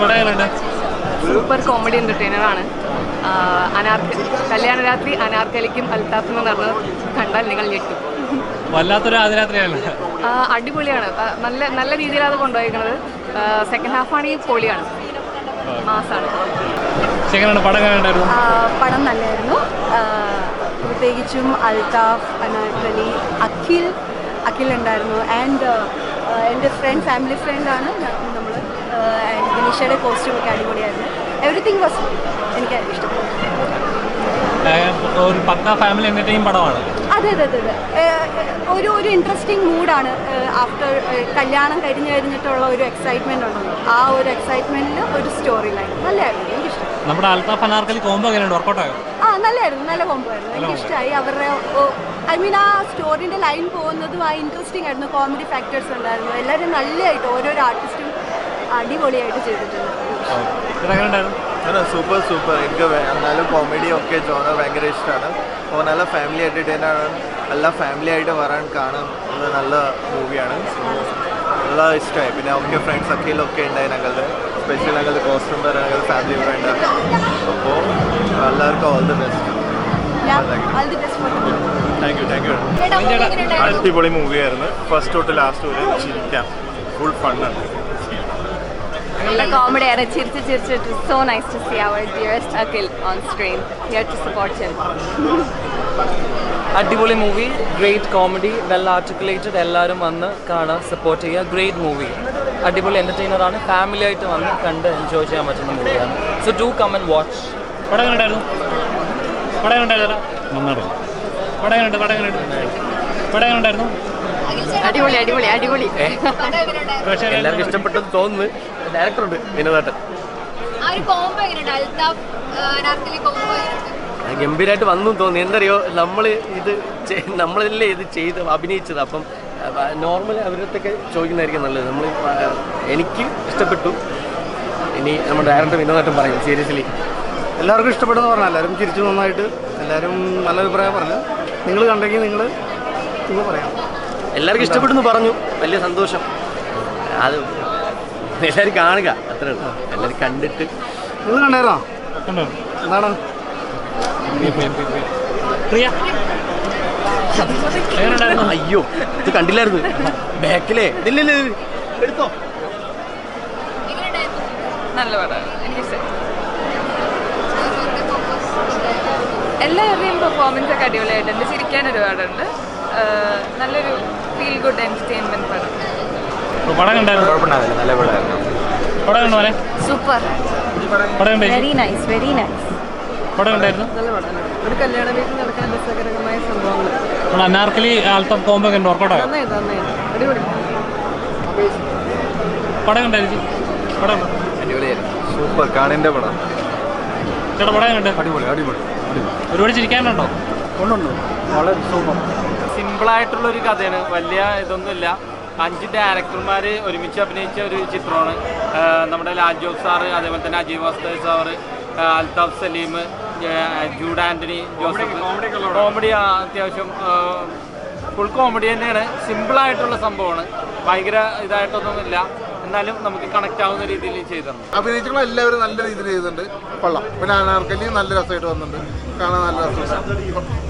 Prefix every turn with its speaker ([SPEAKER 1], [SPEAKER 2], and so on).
[SPEAKER 1] Super comedy entertainer ആണ്. കല്യാണരാത്രി അനാർക്കലിക്കും അൽത്താഫും എന്ന് പറഞ്ഞത് കണ്ടാൽ നിങ്ങൾ ഞെട്ടും.
[SPEAKER 2] വല്ലാത്തൊരു ആദ്യരാത്രിയാണ്.
[SPEAKER 1] അടിപൊളിയാണ്. നല്ല നല്ല രീതിയിലാണ് അത് കൊണ്ടുപോയിരിക്കുന്നത്. സെക്കൻഡ് ഹാഫ് ആണെങ്കിൽ പൊളിയാണ്, മാസാണ്.
[SPEAKER 3] പടം നല്ലതായിരുന്നു. പ്രത്യേകിച്ചും അൽത്താഫ്, അനാർക്കലി, അഖിൽ ഉണ്ടായിരുന്നു. ആൻഡ് എൻ്റെ ഫാമിലി ഫ്രണ്ടാണ് നമ്മൾ. ആൻഡ് ദിനിഷയുടെ കോസ്റ്റ്യൂം ഒക്കെ അടിപൊളിയായിരുന്നു. എവറിത്തിങ് വാസ് എനിക്ക് ഇഷ്ടപ്പെട്ടു.
[SPEAKER 2] ഒരു പക്കാ ഫാമിലി എന്റർടൈനിങ് പടമാണ്.
[SPEAKER 3] അതെ അതെ അതെ അതെ ഒരു ഇൻട്രസ്റ്റിംഗ് മൂഡാണ്. ആഫ്റ്റർ കല്യാണം കഴിഞ്ഞിട്ടുള്ള ഒരു എക്സൈറ്റ്മെന്റ് ഉണ്ടല്ലോ, ആ ഒരു എക്സൈറ്റ്മെന്റിൽ ഒരു സ്റ്റോറി ലൈൻ നല്ലതായിരുന്നു. എനിക്കിഷ്ടം.
[SPEAKER 2] നമ്മുടെ അൽത്താഫ് അനാർക്കലി കോംബോ എങ്ങനെയുണ്ട്? വർക്കൗട്ടായോ?
[SPEAKER 3] നല്ലായിരുന്നു, നല്ല കോംബോ ആയിരുന്നു. എനിക്കിഷ്ടമായി. അവരുടെ ആ സ്റ്റോറിന്റെ ലൈൻ പോകുന്നതും ആ ഇൻട്രസ്റ്റിംഗ് ആയിരുന്നു. കോമഡി ഫാക്ടേഴ്സ് ഉണ്ടായിരുന്നു. എല്ലാവരും നല്ലതായിട്ട് ഓരോരോ ആർട്ടിസ്റ്റും അടിപൊളിയായിട്ട് ചെയ്തിട്ടുണ്ട്.
[SPEAKER 4] സൂപ്പർ. എനിക്ക് എന്നാലും കോമഡി ഒക്കെ ജോണർ ഭയങ്കര ഇഷ്ടമാണ്. അപ്പോൾ നല്ല ഫാമിലി എൻ്റർടൈനറാണ്. എല്ലാ ഫാമിലി ആയിട്ട് വരാൻ കാണാൻ നല്ല മൂവിയാണ്. നല്ല ഇഷ്ടമായി. പിന്നെ ഒക്കെ ഫ്രണ്ട്സ് അഖിലൊക്കെ ഉണ്ടായി ഞങ്ങളുടെ. സ്പെഷ്യൽ ഞങ്ങളുടെ കോസ്റ്റ്യൂം ഞങ്ങളുടെ ഫാമിലി ഫ്രണ്ടാണ്. അപ്പോൾ എല്ലാവർക്കും all the best. Thank you. അടിപൊളി മൂവിയായിരുന്നു. ഫസ്റ്റ് തൊട്ട് ലാസ്റ്റ് വരെ ചിരിക്കാം. ഫുൾ ഫണ്ണാണ്.
[SPEAKER 1] നല്ല കോമഡിയാണ്. ചിരിച്ച് so nice to see our dearest Akhil on screen. Here to support him.
[SPEAKER 5] അടിപൊളി movie, great comedy, well articulated. എല്ലാവരും വന്ന് കാണാൻ സപ്പോർട്ട് ചെയ്യുക. ഗ്രേറ്റ് മൂവി, അടിപൊളി എൻ്റർടൈനറാണ്. ഫാമിലി ആയിട്ട് വന്ന് കണ്ട് എൻജോയ് ചെയ്യാൻ പറ്റുന്ന മൂവിയാണ്. So do come and watch.
[SPEAKER 1] അടിപൊളി.
[SPEAKER 5] എല്ലാവർക്കും ഇഷ്ടപ്പെട്ടെന്ന് തോന്നുന്നു. ഡയറക്ടറുണ്ട് വിനോദേട്ടൻ. ഗംഭീരമായിട്ട് വന്നു തോന്നി. എന്തറിയോ, നമ്മളല്ലേ ഇത് ചെയ്ത് അഭിനയിച്ചത്. അപ്പം നോർമൽ അവരത്തൊക്കെ ചോദിക്കുന്നതായിരിക്കും നല്ലത്. എനിക്ക് ഇഷ്ടപ്പെട്ടു. ഇനി നമ്മുടെ ഡയറക്ടർ വിനോദേട്ടൻ പറയും. സീരിയസ്ലി
[SPEAKER 4] എല്ലാവർക്കും ഇഷ്ടപ്പെട്ടെന്ന് പറഞ്ഞാൽ എല്ലാവരും ചിരിച്ചു നന്നായിട്ട്. എല്ലാവരും നല്ല അഭിപ്രായം പറഞ്ഞു. നിങ്ങൾ കണ്ടെങ്കിൽ നിങ്ങൾ പറയാം.
[SPEAKER 5] എല്ലാവർക്കും ഇഷ്ടപ്പെട്ടെന്ന് പറഞ്ഞു. വലിയ സന്തോഷം. അത് എല്ലാവരും കാണുക, അത്രേ ഉള്ളൂ. എല്ലാവരും കണ്ടിട്ട്.
[SPEAKER 4] നിങ്ങൾ കണ്ടായിരുന്നോ? എന്താണ്
[SPEAKER 5] അയ്യോ, ഇത് കണ്ടില്ലായിരുന്നു. ബാക്കിലേ ഇല്ലല്ലേ എടുത്തോ.
[SPEAKER 1] നല്ല പടമാണ്, എനിക്കിഷ്ടം. എല്ലാവരുടെയും പെർഫോമൻസ് ഒക്കെ അടിപൊളിയായിട്ടുണ്ട്. ചിരിക്കാൻ ഒരുപാടുണ്ട്. നല്ലൊരു ഫീൽ ഗുഡ് എന്റർടൈൻമെന്റ് പടം.
[SPEAKER 3] സൂപ്പർ. Very nice.
[SPEAKER 1] ഒരു കല്യാണ വീട്ടിൽ നടക്കാൻ രസകരമായ സംഭവങ്ങൾ.
[SPEAKER 2] അനാർക്കലി അൽത്താഫ് കോംബോ വർക്കൗട്ടായോ?
[SPEAKER 1] അടിപൊളി.
[SPEAKER 4] സൂപ്പർ. കാണേണ്ട പടം.
[SPEAKER 2] അടിപൊളി. ഒരുപാട് ചിരിക്കാനുണ്ടോ?
[SPEAKER 4] കൊണ്ടുണ്ട്. വളരെ സൂപ്പർ.
[SPEAKER 6] സിമ്പിളായിട്ടുള്ളൊരു കഥയാണ്. വലിയ ഇതൊന്നുമില്ല. 5 ഡയറക്ടർമാർ ഒരുമിച്ച് അഭിനയിച്ച ഒരു ചിത്രമാണ്. നമ്മുടെ ലാൽ ജോസ് സാറ്, അതേപോലെ തന്നെ അജയ് വാസ്തവ് സാറ്, അൽത്താഫ് സലീം, ജൂഡ് ആൻ്റണി, ജോസഫ്. കോമഡി അത്യാവശ്യം ഫുൾ കോമഡി തന്നെയാണ്. സിമ്പിളായിട്ടുള്ള സംഭവമാണ്. ഭയങ്കര ഇതായിട്ടൊന്നുമില്ല. എന്നാലും നമുക്ക് കണക്ട് ആവുന്ന രീതിയിൽ ചെയ്തിട്ടുണ്ട്.
[SPEAKER 4] അഭിനയിച്ചുള്ള എല്ലാവരും നല്ല രീതിയിൽ ചെയ്തിട്ടുണ്ട്. കൊള്ളാം. പിന്നെ അനാർക്കലി നല്ല രസമായിട്ട് വന്നിട്ടുണ്ട്. കാണാൻ നല്ല രസം.